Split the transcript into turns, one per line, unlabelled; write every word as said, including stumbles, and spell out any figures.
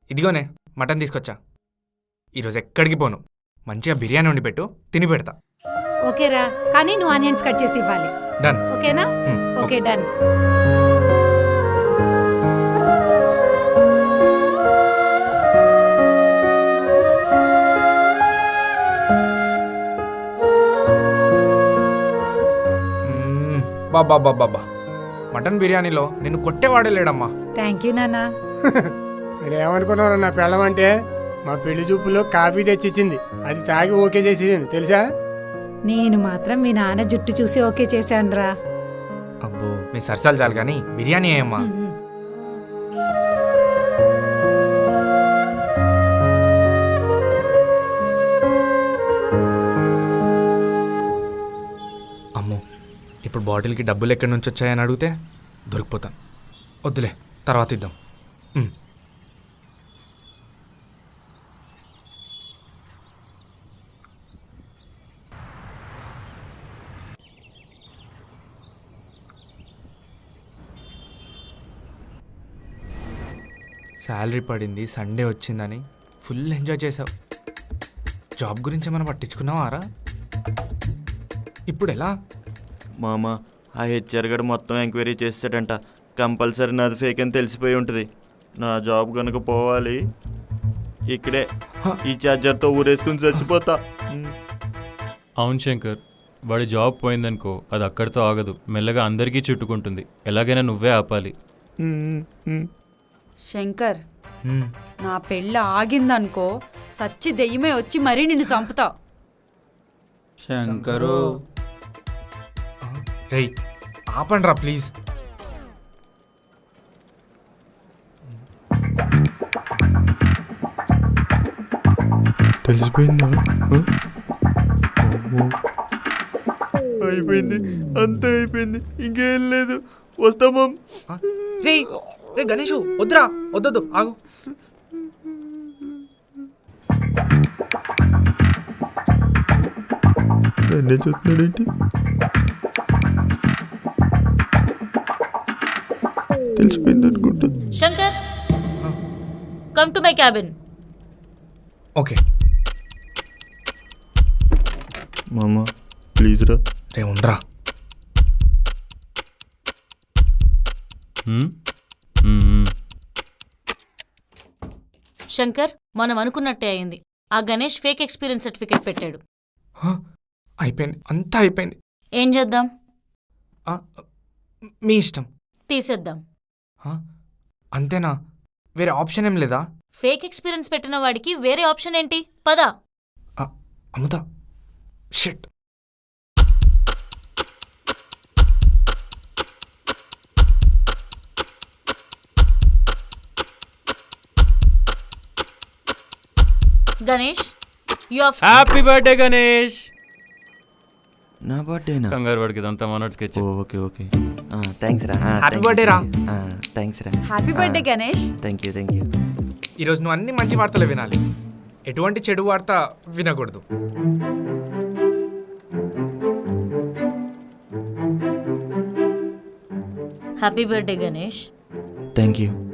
ఇదిగోనే mutton తీసుకొచ్చా. ఈరోజు ఎక్కడికి పోను, మంచిగా బిర్యానీ వండి పెట్టు, తిని పెడతా.
ఓకేరా, కానీ నువ్వు ఆనియన్స్ కట్ చేసి ఇవ్వాలి.
డన్.
ఓకేనా? Okay done.
బాబా బాబా మటన్ బిర్యానీలో నిన్ను కొట్టేవాడే లేడమ్మా.
థ్యాంక్ యూ నాన్న.
మీరేమనుకున్నారు నా పెళ్ళం అంటే మా పెళ్లి చూపులో కాఫీ తెచ్చిచ్చింది, అది తాగి ఓకే చేసేసాను తెలుసా.
నేను మాత్రం మీ నాన్న జుట్టు చూసి ఓకే చేశానురా.
అబ్బో మీ సరసాలు చాలు కానీ బిర్యానీ ఏమ్మా. అమ్మో ఇప్పుడు బాటిల్కి డబ్బులు ఎక్కడి నుంచి వచ్చాయని అడిగితే దొరికిపోతాను. వద్దులే, తర్వాత ఇద్దాం. శాలరీ పడింది, సండే వచ్చిందని ఫుల్ ఎంజాయ్ చేసావు. జాబ్ గురించి మనం పట్టించుకున్నావారా? ఇప్పుడు ఎలా?
మామ ఆ హెచ్ఆర్ గడు మొత్తం ఎంక్వైరీ చేస్తాడంట. కంపల్సరీ నాది ఫేక్ అని తెలిసిపోయి ఉంటుంది. నా జాబ్ కనుక పోవాలి, ఇక్కడే ఈ ఛార్జర్తో ఊరేసుకుని చచ్చిపోతా.
అవును శంకర్, వాడి జాబ్ పోయిందనుకో అది అక్కడితో ఆగదు, మెల్లగా అందరికీ చుట్టుకుంటుంది. ఎలాగైనా నువ్వే ఆపాలి.
శంకర్, నా పెళ్ళి ఆగిందనుకో సచ్చి దెయ్యమే వచ్చి మరీ నిన్ను చంపుతా.
శంకరు
రేయ్ ఆపండ్రా ప్లీజ్.
తెలిసిపోయిందా? అయిపోయింది, అంతా అయిపోయింది, ఇంకేం లేదు. వస్తామా?
రే రే గణేషు వద్దురా, వద్దొద్దు, ఆగు.
నన్నే చూస్తున్నాడేంటి? తెలిసిపోయింది అనుకుంటా.
Shankar, come to my cabin.
Okay
మామ ప్లీజ్ రా.
రే ఉండరా.
శంకర్, మనం అనుకున్నట్టే అయింది. ఆ గణేష్ ఫేక్ ఎక్స్పీరియన్స్ సర్టిఫికేట్ పెట్టాడు.
అయిపోయింది, అంతా అయిపోయింది.
ఏం చేద్దాం?
మీ ఇష్టం.
తీసేద్దాం.
అంతేనా? వేరే ఆప్షన్ ఏం లేదా?
ఫేక్ ఎక్స్పీరియన్స్ పెట్టిన వాడికి వేరే ఆప్షన్ ఏంటి? పద.
అమ్ముతా. Shit.
Ganesh, you are
happy birthday Ganesh.
నా బర్త్డేనా?
కంగారు వాడికి ఇదంతా మనోడ్ స్కెచ్.
ఓకే ఓకే థ్యాంక్స్ రా.
హ్యాపీ బర్త్డే రా.
థ్యాంక్స్ రా.
Happy birthday Ganesh.
Thank you thank you.
ఈరోజు నువ్వు అన్ని మంచి వార్తలు వినాలి, ఎటువంటి చెడు వార్త వినకూడదు.
Happy birthday Ganesh.
Thank you.